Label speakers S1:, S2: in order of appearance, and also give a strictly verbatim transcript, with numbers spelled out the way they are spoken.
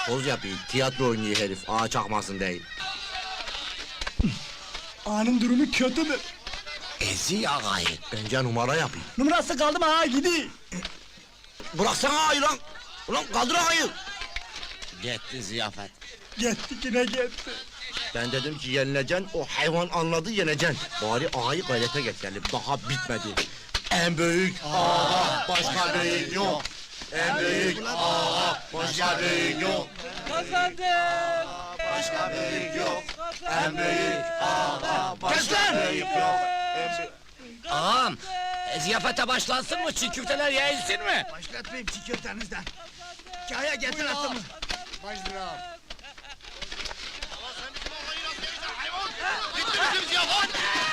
S1: Poz yapıyor, tiyatro oynuyor herif, ağa çakmasın değil.
S2: Ağanın durumu kötüdür.
S1: Ezi ağayı. Bence numara yapayım.
S2: Numarası kaldı mı ağa gidi.
S1: Bıraksana ağayı lan! Ulan kaldır ağayı!
S3: Gitti ziyafet.
S2: Gitti yine gitti.
S1: Ben dedim ki yenileceksin, o hayvan anladı yeneceksin. Bari ağayı gayrete getirelim, daha bitmedi. En büyük ağa, başka büyük yok. En büyük ağa, başka büyük yok.
S4: Kazandım!
S1: Başka büyük yok. En büyük ağa, başka büyük yok. En büyük...
S3: Ağam, e, ziyafete başlansın mı? Çiğ köfteler yayılsın mı?
S2: Başlatmayayım çiğ köftenizden. Kaya getir atımı.
S1: Bitti bizim ziyafet!